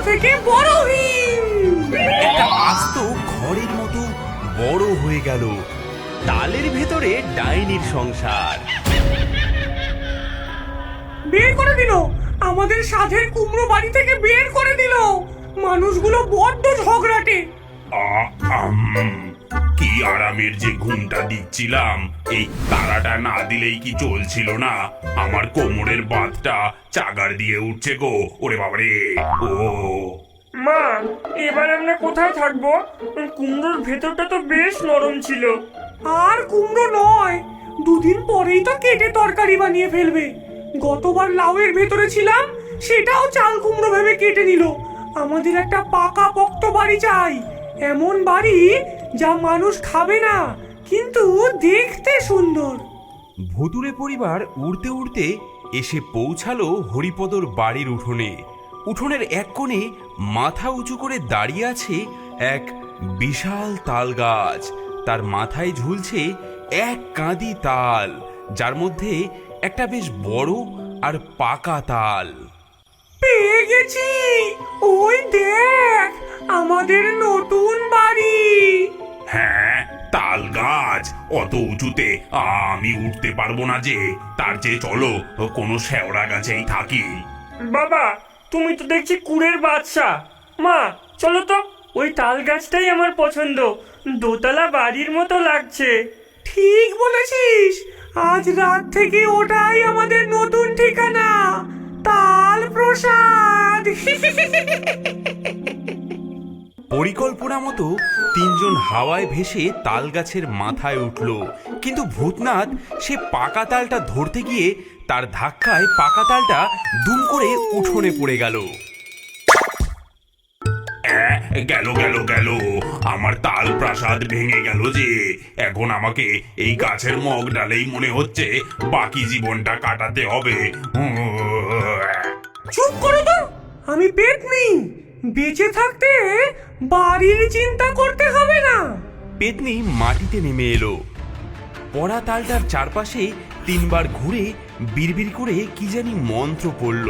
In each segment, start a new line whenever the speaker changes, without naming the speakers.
থেকে বড় হিম।
একটা আস্ত ঘরের মতো বড় হয়ে গেল। তালের ভেতরে ডাইনির সংসার।
বের করে দিল, আমাদের সাধের কুমড়ো বাড়ি থেকে বের করে দিল। মানুষগুলো বড্ড ঝগড়াটে।
কি আরামের যে ঘুমটা দিচ্ছিলাম, এই তারাটা না দিলেই কি চলছিল না। আমার কোমরের বাঁধটা চাগার দিয়ে উঠছে গো, ওরে বাবারে। ও
মা, এবার আমরা কোথায় থাকবো? কুমড়োর ভেতরটা তো বেশ নরম ছিল।
আর কুমড়ো নয়, দুদিন পরেই তো কেটে তরকারি বানিয়ে ফেলবে। গতবার লাউয়ের ভেতরে ছিলাম, সেটাও চাল কুমড়ো ভেবে কেটে নিল। আমাদের একটা পাকা পোক্ত বাড়ি চাই, এমন বাড়ি যা মানুষ খাবে না কিন্তু দেখতে সুন্দর।
ভুতুড়ে পরিবার উড়তে উড়তে এসে পৌঁছালো হরিপদর বাড়ির উঠোনে। উঠোনের এক কোণে মাথা উঁচু করে দাঁড়িয়ে আছে এক বিশাল তাল গাছ। তার মাথায় ঝুলছে এক কাঁদি তাল, যার মধ্যে একটা বেশ বড় আর পাকা তাল।
পেয়ে গেছি, ওই দেখ আমাদের নতুন বাড়ি।
হ্যাঁ, তাল গাছ অত উঁচুতে আমি উঠতে পারবো না যে। তার চেয়ে চলো কোনো শেওড়া গাছেই থাকি।
বাবা, তুমি তো দেখছি কুড়ের বাদশা। মা, চলো তো, ওই তাল গাছটাই আমার পছন্দ। দোতলা বাড়ির মতো লাগছে।
ঠিক বলেছিস, আজ রাত থেকে ওটাই আমাদের নতুন ঠিকানা, তাল প্রসাদ।
পরিকল্পনা মতো তিনজন হাওয়ায় ভেসে তাল গাছের মাথায় উঠল, কিন্তু ভূতনাথ সে পাকা তালটা ধরতে গিয়ে তার ধাক্কায় পাকা তালটা দুম করে উঠোনে পড়ে গেল।
গেল গেল গেল, আমার তাল প্রাসাদ ভেঙে গেল যে। এখন আমাকে এই গাছের মগ ডালেই মনে হচ্ছে বাকি জীবনটা কাটাতে হবে।
চুপ করো তো, আমি পেতনি। বেঁচে থাকতে বাড়ির চিন্তা করতে হবে না।
পেতনি মাটিতে নেমে এলো। পড়া তালটার চারপাশে তিনবার ঘুরে বিড়বিড় করে কি জানি মন্ত্র পড়ল।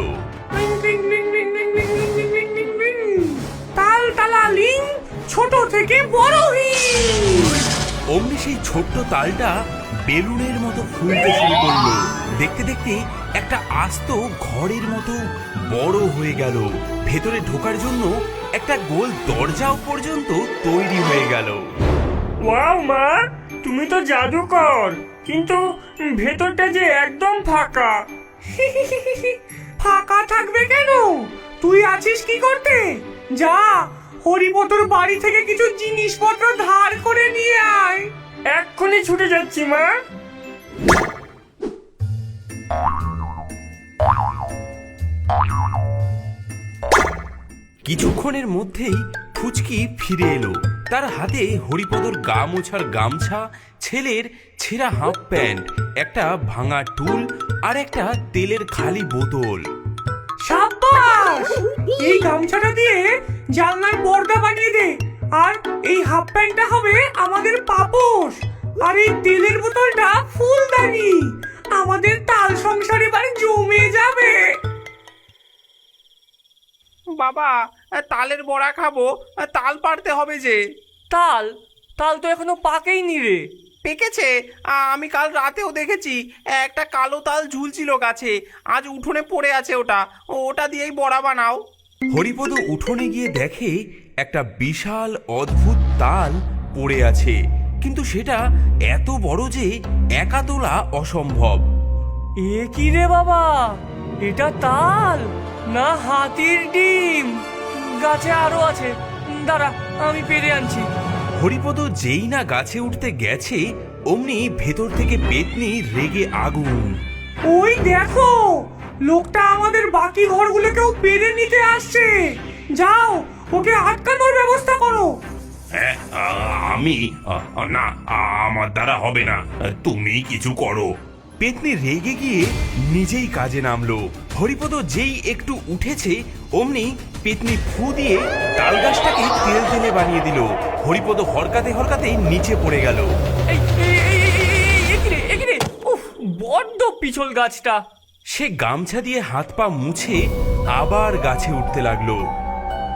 তাল তালা লিং, ছোট থেকে বড় হিম।
অমনি সেই ছোট্ট তালটা বেলুনের মতো ফুলতে শুরু করলো। দেখতে দেখতে একটা আস্ত ঘরের মতো বড় হয়ে গেল। ভেতরে ঢোকার জন্য একটা গোল দরজাও পর্যন্ত তৈরি হয়ে গেল।
ওয়াও মা, তুমি তো জাদুকর, কিন্তু ভেতরটা যে একদম ফাঁকা।
ফাঁকা থাকবে কেন? তুই আছিস কি করতে? যা, হরিপদর বাড়ি থেকে কিছু জিনিসপত্র ধার করে নিয়ে আয়।
এক্ষুনি ছুটে যাচ্ছি মা।
কিছুক্ষণের মধ্যেই ফুচকি ফিরে এলো। তার হাতে হরিপদর গা মোছার গামছা, ছেলের ছেঁড়া হাফ প্যান্ট, একটা ভাঙা টুল আর একটা তেলের খালি বোতল।
সাব্বাস! এই গামছাটা দিয়ে জানলার পর্দা বানিয়ে দে, আর এই হাফ প্যান্টটা হবে আমাদের পাপোশ, আর এই তেলের বোতলটা ফুলদানি। আমাদের তাল সংসার এবার জমে যাবে।
বাবা, তালের বড়া খাবো, তাল পাড়তে হবে যে।
তাল তাল তো এখনো পাকেইনি রে।
পেকেছে, আমি কাল রাতেও দেখেছি একটা কালো তাল ঝুলছিল গাছে। আজ উঠোনে পড়ে আছে, ওটা দিয়েই বড়া বানাও।
হরিপদ উঠোনে গিয়ে দেখে একটা বিশাল অদ্ভুত তাল পড়ে আছে, কিন্তু সেটা এত বড় যে একা তোলা অসম্ভব।
এ কি রে বাবা, এটা তাল না হাতির ডিম? গাছে আরো আছে, দাঁড়া আমি পেরে আনছি।
হরিপদ যেই না গাছে উঠতে গেছে, অমনি ভেতর থেকে পেতনি রেগে আগুন।
ওই দেখো, লোকটা আমাদের বাকি ঘরগুলোকেও পেরে নিতে আসছে। যাও, ওকে আটকানোর ব্যবস্থা করো।
আমি না, আমার দ্বারা হবে না, তুমি কিছু করো।
পেতনি রেগে গিয়ে নিজেই কাজে নামলো। হরিপদ যেই একটু উঠেছে, অমনি পেতনি ফু দিয়ে তাল গাছটাকে তেল তেলে বানিয়ে দিল। হরিপদ হরকাতে হরকাতে নিচে পড়ে গেল।
এই একিরে, উফ, বড্ড পিছল গাছটা।
সে গামছা দিয়ে হাত পা মুছে আবার গাছে উঠতে লাগলো।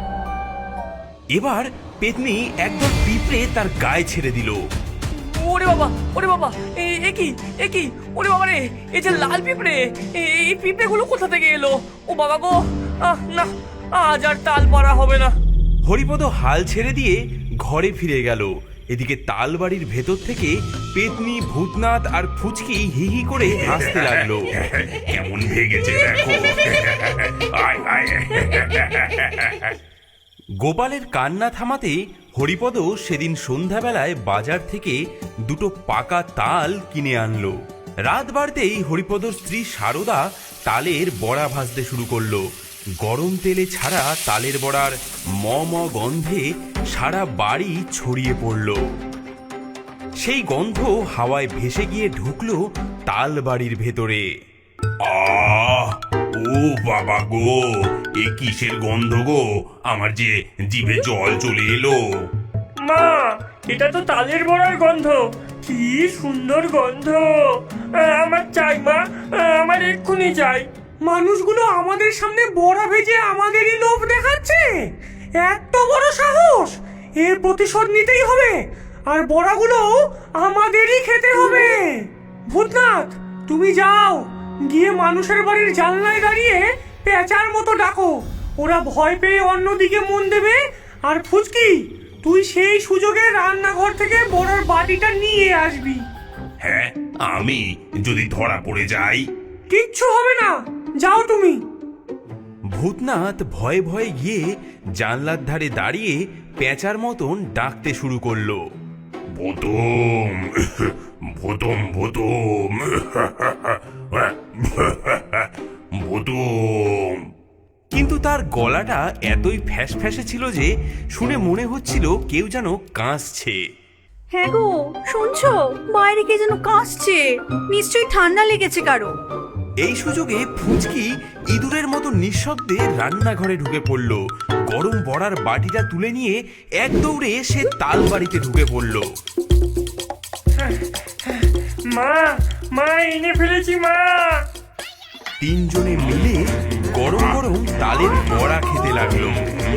এবার পেতনি একদল পিঁপড়ে তার গায়ে ছেড়ে দিল।
ওরে বাবা, ওরে বাবা, এ কি ওরে বাবা রে, এই যে লাল পিঁপড়ে, এই পিঁপড়েগুলো কোথা থেকে এলো? ও বাবা গো, না, আজ আর তাল পারা হবে না।
হরিপদ হাল ছেড়ে দিয়ে ঘরে ফিরে গেল। এদিকে তালবাড়ির ভেতর থেকে পেতনি, ভূতনাথ আর ফুচকি হি হি করে হাসতে লাগলো।
কেমন ভেগেছে দেখো। আয় আয়।
গোপালের কান্না থামাতে হরিপদ সেদিন সন্ধ্যাবেলায় বাজার থেকে দুটো পাকা তাল কিনে আনলো। রাত বাড়তেই হরিপদর স্ত্রী সারদা তালের বড়া ভাজতে শুরু করলো। গরম তেলে ছাড়া তালের বড়ার ম ম গন্ধে সারা বাড়ি ছড়িয়ে পড়ল। সেই গন্ধ হাওয়ায় ভেসে গিয়ে ঢুকলো তাল বাড়ির ভেতরে।
আহ, ও বাবা গো, এ কিসের গন্ধ গো? আমার যে জিভে জল চলে এলো।
মা, এটা তো তালের বড়ার গন্ধ। কি সুন্দর গন্ধ! আমার চাই মা, আমার এক্ষুনি চাই।
মানুষগুলো আমাদের সামনে বড়া ভেজে আমাদেরই লোভ দেখাচ্ছে। এত বড় সাহস! এর প্রতিশোধ নিতেই হবে, আর বড়াগুলো আমাদেরই খেতে হবে। ভূতনাথ, তুমি যাও, গিয়ে মানুষের বাড়ির জানলায় দাঁড়িয়ে পেঁচার মতো ডাকো। ওরা ভয় পেয়ে অন্যদিকে মন দেবে। আর ফুচকি, তুই সেই সুযোগে রান্নাঘর থেকে বড়ার বাটিটা নিয়ে আসবি।
হ্যাঁ, আমি যদি ধরা পড়ে যাই?
কিচ্ছু হবে না, যাও তুমি।
ভূতনাথ ভয়ে ভয়ে গিয়ে জানলার ধারে দাঁড়িয়ে পেঁচার মতন ডাকতে শুরু করলো।
ভূতম, ভূতম, ভূতম, ভূতম।
কিন্তু তার গলাটা এতই ফ্যাস ফ্যাসে ছিল যে শুনে মনে হচ্ছিল কেউ যেন কাঁসছে।
হ্যাঁ গো, শুনছো? বাইরে কে যেন কাশছে, নিশ্চয়ই ঠান্ডা লেগেছে কারো।
এই সুযোগে ফুচকি ইঁদুরের মতো নিঃশব্দে রান্নাঘরে ঢুকে পড়ল। গরম বড়ার বাটিটা তুলে নিয়ে এক দৌড়ে সে তাল বাড়িতে ঢুকে পড়ল।
মা, এনে ফেলেছি মা।
তিনজনে মিলে গরম গরম তালের বড়া খেতে লাগলো।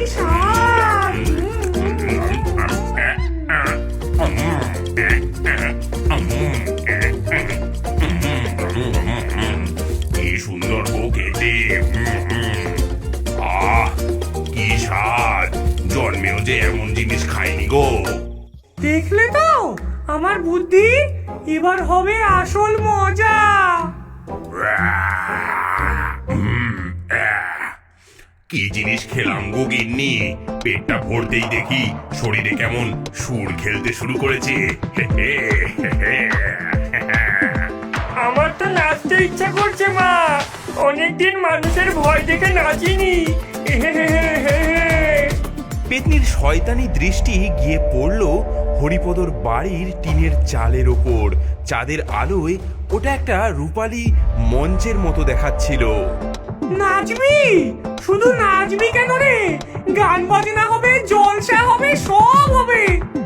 কি সুন্দর গো খেতে। আহ, কি স্বাদ! জন্মেও যে এমন জিনিস খাইনি গো।
দেখলে তো আমার বুদ্ধি, এবার হবে আসল মজা।
কি জিনিস খেলাম গো গিন্নি, পেটটা ভরতেই দেখি শরীরে কেমন সুর খেলতে শুরু করেছে।
আমার তো নাচতে ইচ্ছা করছে মা। অনেকদিন মানুষের ভয় দেখে নাচিনি।
পেতনির শয়তানি দৃষ্টি গিয়ে পড়ল হরিপদর বাড়ির টিনের চালের ওপর। চাঁদের আলোয় ওটা একটা রূপালী মঞ্চের মতো দেখাচ্ছিল।
নাচবি? শুধু নাচবি কেন রে? গান বাজনা হবে, জলসা হবে, সব হবে।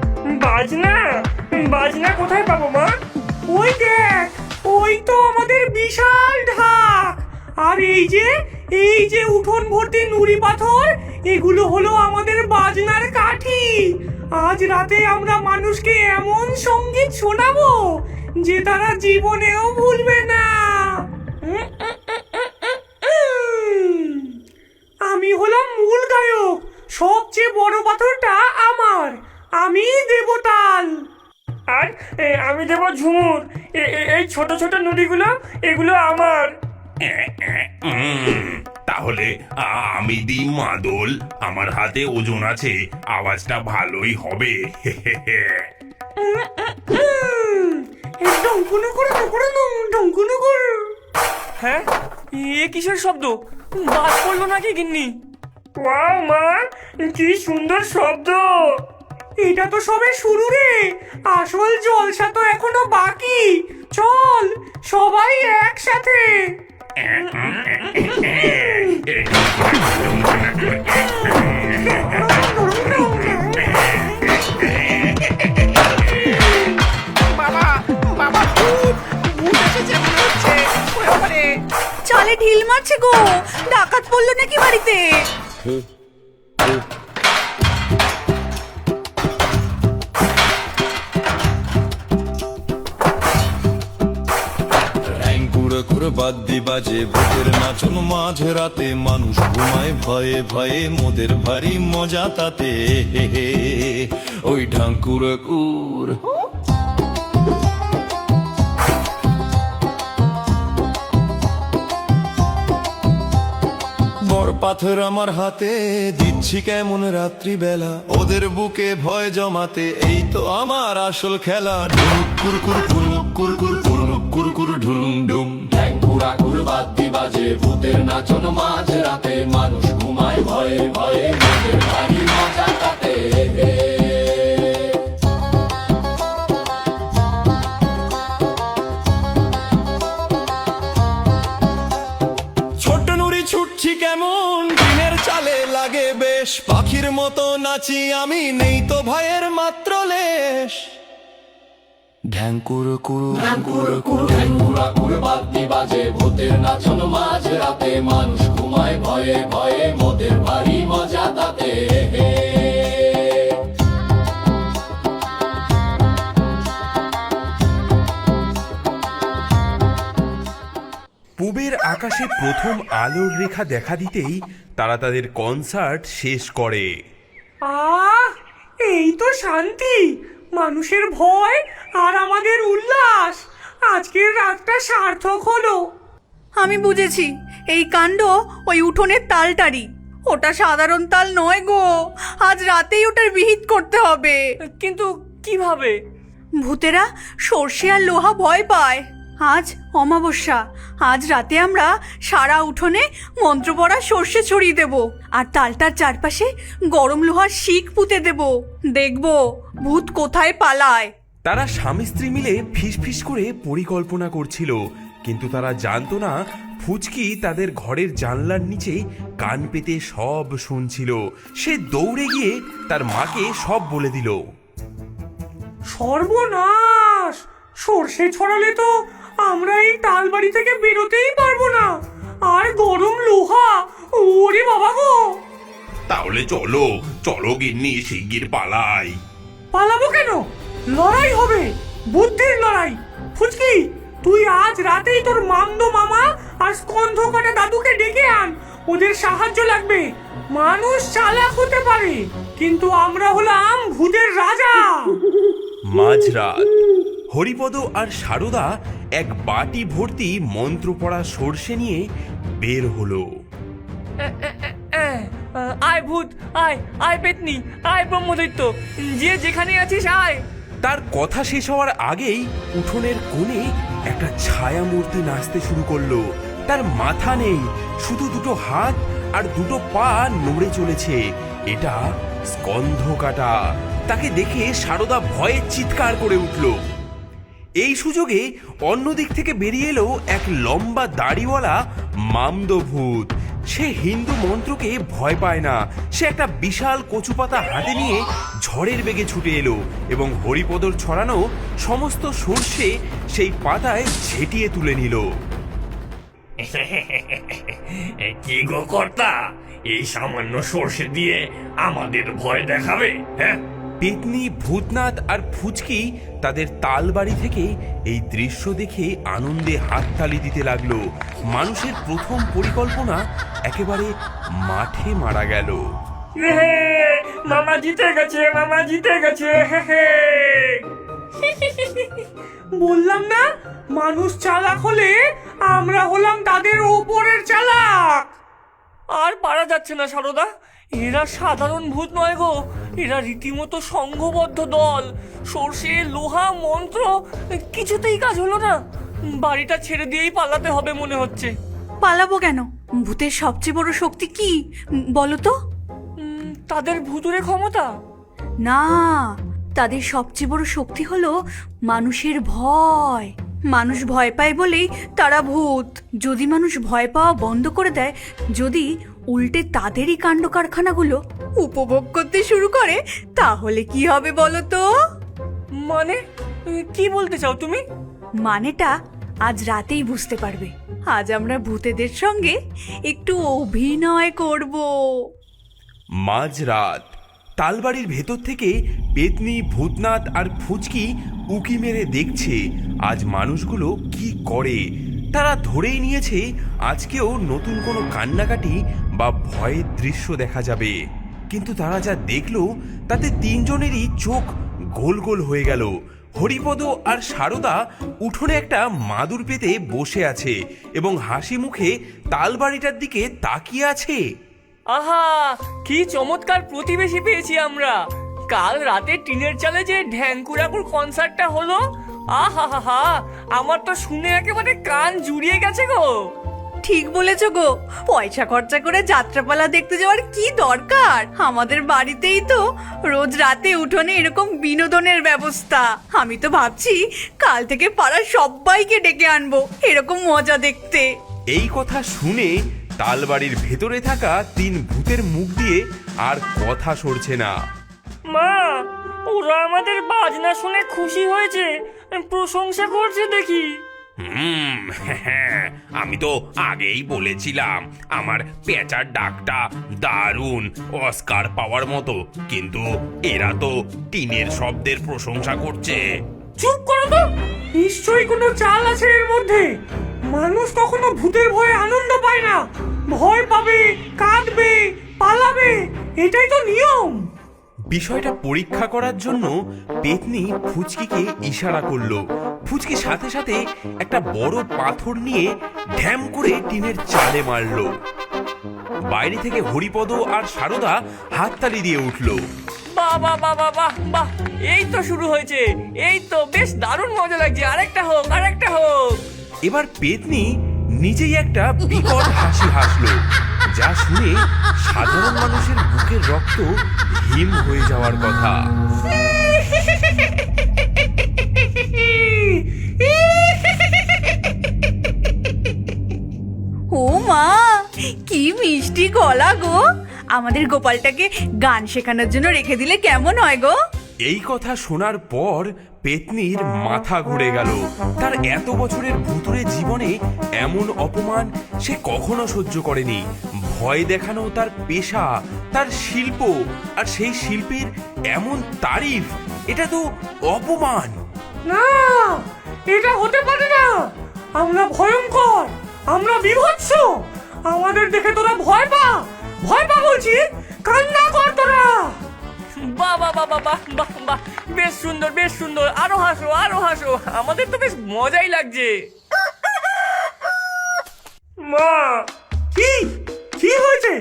বাজনা কোথায় পাবো মা?
ওই দেখ, ওই তো আমাদের বিশাল ঢাক। আর এই যে উঠোন ভর্তি নুড়ি পাথর, এগুলো হলো আমাদের বাজনার কাঠি। আজ রাতে আমরা মানুষকে এমন সঙ্গীত শোনাবো যে তারা জীবনেও ভুলবে না। আমি হলাম মূল গায়ক, সবচেয়ে বড় পাথরটা আমার, আমি দেব তাল।
আর আমি দেবো ঝুমুর। এই ছোট ছোট নুড়িগুলো, এগুলো আমার।
তাহলে আমি দিই মাদল, আমার হাতে ওজন আছে, আওয়াজটা ভালোই হবে।
হ্যাঁ, এ কিসের শব্দ? বাজ পড়লো নাকি গিন্নি? ওয়াও মা, কি সুন্দর শব্দ!
এটা তো সবে শুরু রে, আসল জলসা তো এখনো বাকি। চল সবাই একসাথে।
বাবা, বাবা, ভূত ভূত এসেছে মনে হচ্ছে। ওরে বাবারে!
চালে ঢিল মারছে গো, ডাকাত পড়লো নাকি বাড়িতে?
ঠাকুর বাদ্যি বাজে ভূতের নাচন মাঝ রাতে মানুষ ঘুমায় ভয়ে ভয়ে মোদের ভারী মজা তাতে হে হে, ওই ঠাকুর কুর বড় পাথর আমার হাতে দিচ্ছি কেমন রাত্রিবেলা ওদের বুকে ভয় জমাতে এই তো আমার আসল খেলা ঢুলুক কুরকুর কুরুক কুরকুর কুরুক কুরকুর ঢুলুম ডুম
ঠ্যাঙ্কুরা কুর বাদ্যি বাজে ভূতের নাচন মাঝ রাতে মানুষ ঘুমায় ভয়ে ভয়ে মোদের ভারী মজা তাতে
ছোট নুড়ি ছুটছি কেমন দিনের চালে লাগে বেশ পাখির মতো নাচি আমি নেই তো ভয়ের মাত্র লেশ ঢ্যাঙ্কুর কুরু
ঠ্যাঙ্কুরা কুর বাদ্যি বাজে ভূতের নাচন মাঝ রাতে মানুষ ঘুমায় ভয়ে ভয়ে মোদের ভারী মজা তাতে
পূবের আকাশে প্রথম আলোর রেখা দেখা দিতেই তারা তাদের কনসার্ট শেষ করে।
আহ, এই তো শান্তি, মানুষের ভয় আর আমাদের উল্লাস। আজকের রাতটা সার্থক হলো।
আমি বুঝেছি, এই কাণ্ড ওই উঠোনের তালটারি। ওটা সাধারণ তাল নয় গো, আজ রাতেই ওটার বিহিত করতে হবে।
কিন্তু কিভাবে?
ভূতেরা সর্ষে আর লোহা ভয় পায়। আজ অমাবস্যা, আজ রাতে আমরা সারা উঠোনে মন্ত্র পড়া সর্ষে ছড়িয়ে দেব আর তালটার চারপাশে গরম লোহার শিক পুঁতে দেব। দেখব ভূত কোথায় পালায়।
তারা স্বামী স্ত্রী মিলে ফিসফিস করে পরিকল্পনা করছিল, কিন্তু তারা জানতো না ফুচকি তাদের ঘরের জানলার নিচে কান পেতে সব শুনছিল। সে দৌড়ে গিয়ে তার মাকে সব বলে দিল।
সর্বনাশ! সর্ষে ছড়ালে তো আমরা এই তালবাড়ি থেকে বেরোতেই পারবো না। আর গরম লোহা, ওরে বাবা গো!
তাহলে চলো চলো গিন্নি, শিগগির পালাই।
পালাবো কেন? লড়াই হবে, বুদ্ধির লড়াই। ফুচকি, তুই আজ রাতেই তোর মামদো মামা আর স্কন্ধ কাটা দাদুকে ডেকে আন। ওদের সাহায্য লাগবে। মানুষ চালাক হতে পারে, কিন্তু আমরা হলাম ভূতের রাজা।
মাঝরাত হরিপদ আর সারদা এক বাটি ভর্তি মন্ত্র পড়া সর্ষে নিয়ে বের হলো।
আয় ভূত, আয় আয় পেতনি, আয় ব্রহ্মদৈত্য, যে যেখানে আছিস আয়।
তার কথা শেষ হওয়ার আগেই উঠোনের কোণে একটা ছায়া মূর্তি নাচতে শুরু করলো। তার মাথা নেই, শুধু দুটো হাত আর দুটো পা নড়ে চলেছে। এটা স্কন্ধ কাটা। তাকে দেখে সারদা ভয়ে চিৎকার করে উঠল। এই সুযোগে অন্যদিক থেকে বেরিয়ে এলো এক লম্বা দাড়িওয়ালা মামদো ভূত। সে হিন্দু মন্ত্রকে ভয় পায় না। সে একটা বিশাল কচুপাতা হাতে নিয়ে ঝড়ের বেগে ছুটে এলো এবং হরিপদর ছড়ানো সমস্ত সর্ষে সেই পাতায় ঝেঁটিয়ে তুলে নিল।
কি গো কর্তা, এই সামান্য সর্ষে দিয়ে আমাদের ভয় দেখাবে? হ্যাঁ,
পেতনি, ভূতনাথ আর ফুচকি তাদের তালবাড়ি থেকে এই দৃশ্য দেখে আনন্দে হাততালি দিতে লাগলো। মানুষের প্রথম পরিকল্পনা একেবারে মাঠে মারা গেল।
মামা জিতে গেছে, মামা জিতে গেছে।
বললাম না, মানুষ চালাক হলে আমরা হলাম তাদের ওপরের চালাক।
আর পারা যাচ্ছে না সারদা, এরা সাধারণ ভূত নয় গো, এরা রীতিমতো সংঘবদ্ধ দল। সর্ষে, লোহা, মন্ত্র কিছুতেই কাজ হলো না। বাড়িটা ছেড়ে দিয়েই পালাতে হবে মনে হচ্ছে।
পালাবো কেন? ভূতের সবচেয়ে বড় শক্তি কি বলো তো?
তাদের ভুতুরে ক্ষমতা?
না, তাদের সবচেয়ে বড় শক্তি হলো মানুষের ভয়। মানুষ ভয় পায় বলেই তারা ভূত। যদি মানুষ ভয় পাওয়া বন্ধ করে দেয়, যদি উল্টে তাদেরই কাণ্ড কারখানাগুলো উপভোগ করতে শুরু করে, তাহলে কি হবে বলো তো?
মানে কি বলতে চাও তুমি?
মানেটা আজ রাতেই বুঝতে পারবে। আজ আমরা ভূতেদের সঙ্গে একটু অভিনয় করব।
মাঝরাত তালবাড়ির ভেতর থেকে পেতনি, ভূতনাথ আর ফুচকি উকি মেরে দেখছে আজ মানুষগুলো কি করে। তারা ধরেই নিয়েছে আজকেও নতুন কোনো কান্নাকাটি বা ভয়ের দৃশ্য দেখা যাবে। কিন্তু তারা যা দেখলো তাতে তিনজনেরই চোখ গোল গোল হয়ে গেল। হরিপদ আর সারদা উঠোনে একটা মাদুর পেতে বসে আছে এবং হাসি মুখে তালবাড়িটার দিকে তাকিয়ে আছে।
আহা, কি চমৎকার প্রতিবেশী পেয়েছি আমরা। কাল রাতে টিনের চালে যে ঢ্যাঙ্কুরাকুর কনসার্টটা হলো, আহা হা হা, আমার তো শুনে একেবারে কান জুড়িয়ে গেছে গো।
ঠিক বলেছো গো, পয়সা খরচা করে যাত্রাপালা দেখতে যাওয়ার কি দরকার? আমাদের বাড়িতেই তো রোজ রাতে উঠোনে এরকম বিনোদনের ব্যবস্থা। আমি তো ভাবছি কাল থেকে পাড়ার সবাইকে ডেকে আনবো এরকম মজা দেখতে।
এই কথা শুনে তালবাড়ির ভেতরে থাকা তিন ভূতের মুখ দিয়ে আর কথা সরছে না।
মা, ওরা আমাদের বাজনা শুনে খুশি হয়েছে, প্রশংসা করছে দেখি।
আমি তো আগেই বলেছিলাম আমার পেঁচার ডাকটা দারুণ, অস্কার পাওয়ার মতো, কিন্তু এরা তো টিনের শব্দের প্রশংসা করছে।
চুপ করো তো, নিশ্চয়ই কোনো চাল আছে এর মধ্যে। মানুষ কখনো ভূতের ভয়ে আনন্দ পায় না, ভয় পাবে, কাঁদবে, পালাবে, এটাই তো নিয়ম।
বিষয়টা পরীক্ষা করার জন্য পেতনি ফুচকিকে ইশারা করলো। ফুচকি সাথে সাথে একটা বড় পাথর নিয়ে ঢ্যাম করে টিনের চালে মারলো। বাইরে থেকে হরিপদ আর সারদা হাততালি দিয়ে উঠলো।
বাহ বাহ বাহ বাহ বাহ বাহ, এই তো শুরু হয়েছে, এই তো বেশ দারুণ মজা লাগছে। আরেকটা হোক, আরেকটা হোক।
এবার পেতনি নিজেই একটা বিকট হাসি হাসলো, যা শুনে সাধারণ মানুষের বুকের রক্ত হিম হয়ে যাওয়ার কথা।
ও মা, কি মিষ্টি গলা গো! আমাদের গোপালটাকে গান শেখানোর জন্য রেখে দিলে কেমন হয় গো?
এই কথা শোনার পর পেতনির মাথা ঘুরে গেল। তার এত বছরের ভুতুরে জীবনে এমন অপমান সে কখনো সহ্য করেনি। ভয় দেখানো তার পেশা, তার শিল্প, আর সেই শিল্পের এমন তারিফ, এটা তো অপমান।
না, এটা হতে পারে না। আমরা ভয়ঙ্কর, আমরা বিভৎস। আমাদের দেখে তোরা ভয় পা, ভয় পা বলছি, কান্না কর তোরা।
বাহ বাহ বাহ বাহ বাহ বাহ বাহ, বেশ সুন্দর, বেশ সুন্দর। আরো হাসো, আরো হাসো, আমাদের তো বেশ মজাই লাগছে। মা,
কি কি হয়েছে?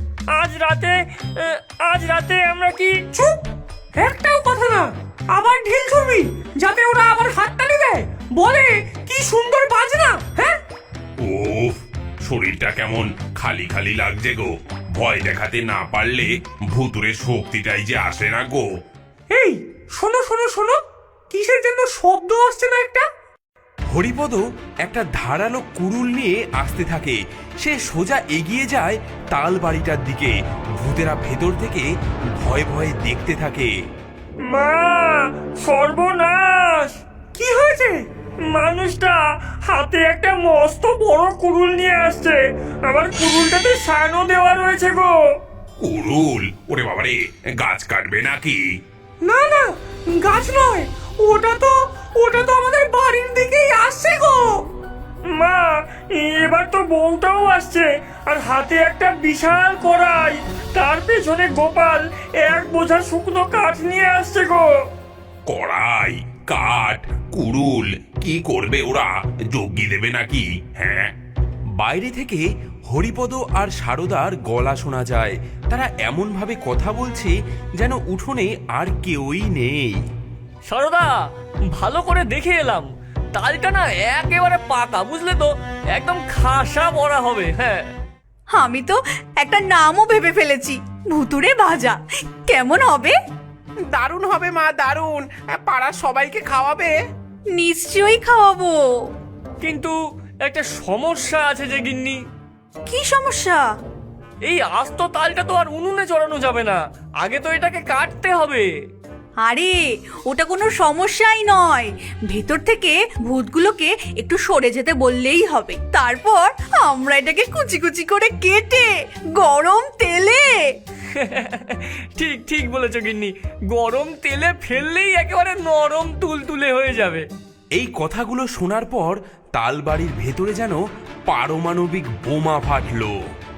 আজ রাতে আমরা কি?
চুপ, একটাও কথা না। আবার ঢিল ছুড়বি যাতে ওরা আবার হাততালি দেয়, বলে কি সুন্দর বাজনা। হ্যাঁ,
ওফ, শরীরটা কেমন খালি খালি লাগছে গো। ভয় দেখাতে না পারলে ভুতুরের শক্তিটাই যে আসে না গো।
এই শোনো শোনো শোনো, কিসের জন্য শব্দ আসছে না একটা?
হরিপদ একটা ধারালো কুড়ুল নিয়ে আসতে থাকে। সে সোজা এগিয়ে যায় তাল বাড়িটার দিকে। ভূতেরা ভেতর থেকে ভয়ে ভয়ে দেখতে থাকে।
মা, সর্বনাশ!
কি হয়েছে?
মানুষটা হাতে একটা মস্ত বড় কুড়ুল নিয়ে আসছে। আমার কুড়ুলটাতে সানো দেওয়া রয়েছে গো।
কুড়ুল? ওরে বাবারে, গাছ কাটবে নাকি?
না না, গাছ নয়, ওটা তো আমাদের বাড়ির দিকেই আসছে গো।
মা, এবার তো বউটাও আসছে, আর হাতে একটা বিশাল কড়াই। তার পেছনে গোপাল এক বোঝা শুকনো কাঠ নিয়ে আসছে গো।
কড়াই, কাঠ, কুড়ুল, কি করবে ওরা? যজ্ঞি দেবে নাকি? হ্যাঁ।
বাইরে থেকে হরিপদ আর সারদার গলা শোনা যায়। তারা এমন ভাবে কথা বলছে যেন উঠোনে আর কেউই নেই।
সারদা, ভালো করে দেখে এলাম, তালটা না একেবারে পাকা, বুঝলে তো? একদম খাসা বড়া হবে। হ্যাঁ,
আমি তো একটা নামও ভেবে ফেলেছি, ভুতুরে ভাজা। কেমন হবে?
দারুণ হবে মা, দারুণ। পাড়ার সবাইকে খাওয়াবে?
নিশ্চয়ই খাওয়াবো।
কিন্তু একটা সমস্যা আছে যে গিন্নি।
কি সমস্যা?
এই আস্ত তালটা তো আর উনুনে চড়ানো যাবে না, আগে তো এটাকে কাটতে হবে।
আরে ওটা কোনো সমস্যাই নয়, ভেতর থেকে ভূতগুলোকে একটু সরে যেতে বললেই হবে। তারপর আমরা এটাকে কুচি কুচি করে কেটে গরম তেলে।
ঠিক ঠিক বলেছো গিন্নি, গরম তেলে ফেললেই একেবারে নরম তুলতুলে হয়ে যাবে।
এই কথাগুলো শোনার পর তালবাড়ির ভেতরে যেন পারমাণবিক বোমা ফাটলো।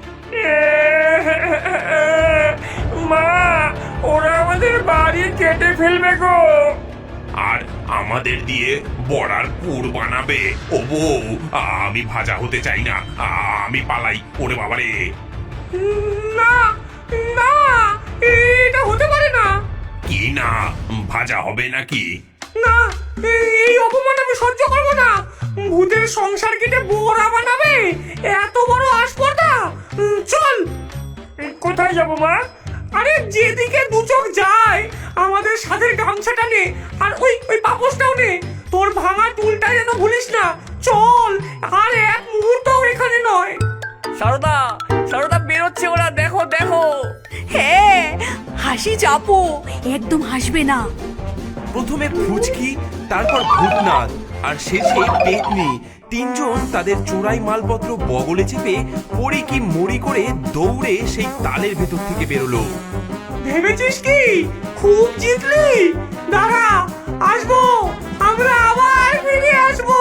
মা, ওরা আমাদের বাড়ি কেটে ফেলবে গো।
আর আমাদের দিয়ে বড়ার পুর বানাবে। ও বউ, আমি ভাজা হতে চাই না, আমি পালাই। ওরে বাবারে,
না না, এটা হতে পারে না।
কি না ভাজা হবে নাকি?
না, এই অপমান আমি সহ্য করবো না। ভূতের সংসার কেটে বোরা বানাবে, এত বড় আসপর্দা। চল।
কোথায় যাবো মা?
আরে যেদিকে দু চোখ যায় আমাদের সাথে গামছাটা নে, আর ওই ওই পাপোশটাও নে। তোর ভাঙা টুলটা যেন ভুলিস না। চল, আর এক মুহূর্তও এখানে নয়।
সারদা, সারদা বেরোচ্ছে ওরা, দেখো দেখো।
হ্যাঁ, হাসি চাপো, একদম হাসবে না।
প্রথমে ফুচকি, তারপর ভূতনাথ আর শেষে পেতনি, তিনজন তাদের চোরাই মালপত্র বগলে চেপে পড়ি কি মরি করে দৌড়ে সেই তালের ভেতর থেকে বেরোলো।
ভেবেছিস কি খুব জিতলি? দাঁড়া, আসবো, আমরা আবার ফিরে আসবো।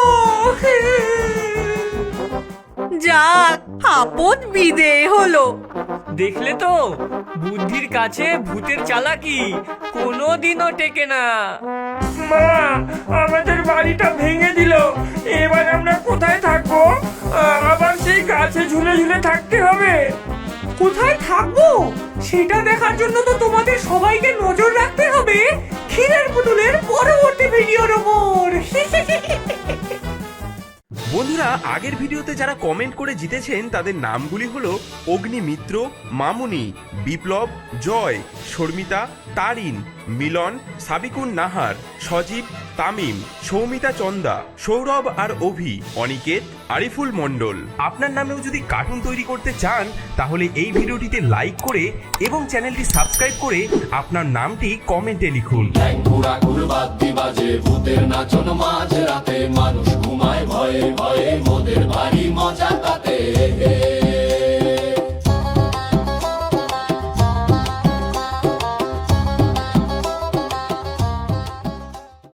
যাক, আপদ বিদেয় হলো।
দেখলে তো, বুদ্ধির কাছে ভূতের চালাকি কোনোদিনও টেকে না। মা, আমাদের বাড়িটা ভেঙে দিল, এবার আমরা কোথায় থাকবো? আবার সেই গাছে ঝুলে ঝুলে থাকতে হবে।
কোথায় থাকবো সেটা দেখার জন্য তো তোমাদের সবাইকে নজর রাখতে হবে ক্ষীরের পুতুলের পরবর্তী ভিডিওর ওপর।
বন্ধুরা, আগের ভিডিওতে যারা কমেন্ট করে জিতেছেন তাদের নামগুলি হলো অগ্নিমিত্র, মামুনি, বিপ্লব, জয়, শর্মিতা, তারিন, মিলন, সাবিকুন নাহার, সজীব, তামিম, সৌমিতা চন্দা, সৌরভ আর অভি, অনিকেত, আরিফুল মণ্ডল। আপনার নামেও যদি কার্টুন তৈরি করতে চান তাহলে এই ভিডিওটিতে লাইক করে এবং চ্যানেলটি সাবস্ক্রাইব করে আপনার নামটি কমেন্টে লিখুন।
ঘুরা ঘুরবাদ্দি বাজে ভূতের নাচন মাঝ রাতে মানুষ ঘুমায় ভয়ে ভয়ে মোদের ভারী মজা তাতে